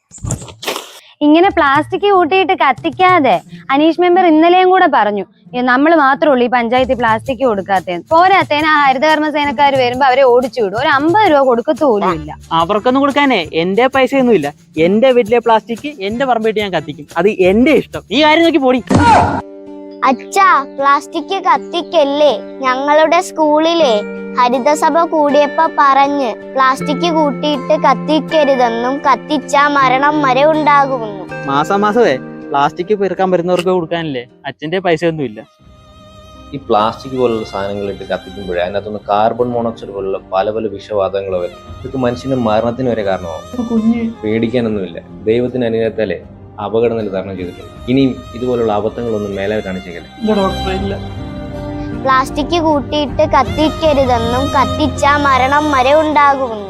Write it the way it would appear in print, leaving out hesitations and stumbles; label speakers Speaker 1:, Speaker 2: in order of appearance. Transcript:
Speaker 1: ഇങ്ങനെ പ്ലാസ്റ്റിക് കൂട്ടിയിട്ട് കത്തിക്കാതെ അനീഷ് മെമ്പർ ഇന്നലെയും കൂടെ പറഞ്ഞു നമ്മൾ മാത്രമേ ഉള്ളൂ ഈ പഞ്ചായത്തിൽ പ്ലാസ്റ്റിക് കൊടുക്കാത്തത്. പോരാത്തേന് ആ ഹരിതകർമ്മസേനക്കാർ വരുമ്പോ അവരെ ഓടിച്ചു വിടും. ഒരു 50 രൂപ കൊടുക്കത്തു പോലും ഇല്ല.
Speaker 2: അവർക്കൊന്നും കൊടുക്കാനേ എന്റെ പൈസ ഒന്നും ഇല്ല. എന്റെ വീട്ടിലെ പ്ലാസ്റ്റിക് എന്റെ പറമ്പിട്ട് ഞാൻ കത്തിക്കും. അത് എന്റെ ഇഷ്ടം. ഈ കാര്യം നോക്കി പോടി.
Speaker 3: അച്ഛാ, പ്ലാസ്റ്റിക് കത്തിക്കല്ലേ. ഞങ്ങളുടെ സ്കൂളിലെ ഹരിതസഭ കൂടിയപ്പോ പറഞ്ഞ് പ്ലാസ്റ്റിക് കൂട്ടിയിട്ട് കത്തിക്കരുതെന്നും കത്തിച്ചാ മരണം വരെ ഉണ്ടാകുമെന്നും.
Speaker 2: മാസമേ പ്ലാസ്റ്റിക് പെറുക്കാൻ വരുന്നവർക്ക് കൊടുക്കാനില്ലേ അച്ഛന്റെ പൈസ ഒന്നും ഇല്ല.
Speaker 4: ഈ പ്ലാസ്റ്റിക് പോലുള്ള സാധനങ്ങൾ ഇട്ട് കത്തിക്കുമ്പോഴേ അതിനകത്തുനിന്ന് കാർബൺ മോണോക്സൈഡ് പോലുള്ള പല പല വിഷവാതങ്ങൾ വരും. ഇതൊക്കെ മനുഷ്യന്റെ മരണത്തിന് വരെ കാരണമാകും. പേടിക്കാനൊന്നുമില്ല. ദൈവത്തിന് അനുഗ്രഹത്താലേ അപകടനില തരണം ചെയ്തിട്ടുണ്ട്. ഇനിയും ഇതുപോലുള്ള അബദ്ധങ്ങളൊന്നും മേലെ കാണിച്ചേക്കല്ലേ.
Speaker 3: പ്ലാസ്റ്റിക് കൂട്ടിയിട്ട് കത്തിക്കരുതെന്നും കത്തിച്ചാ മരണം വരെ ഉണ്ടാകുമെന്നും.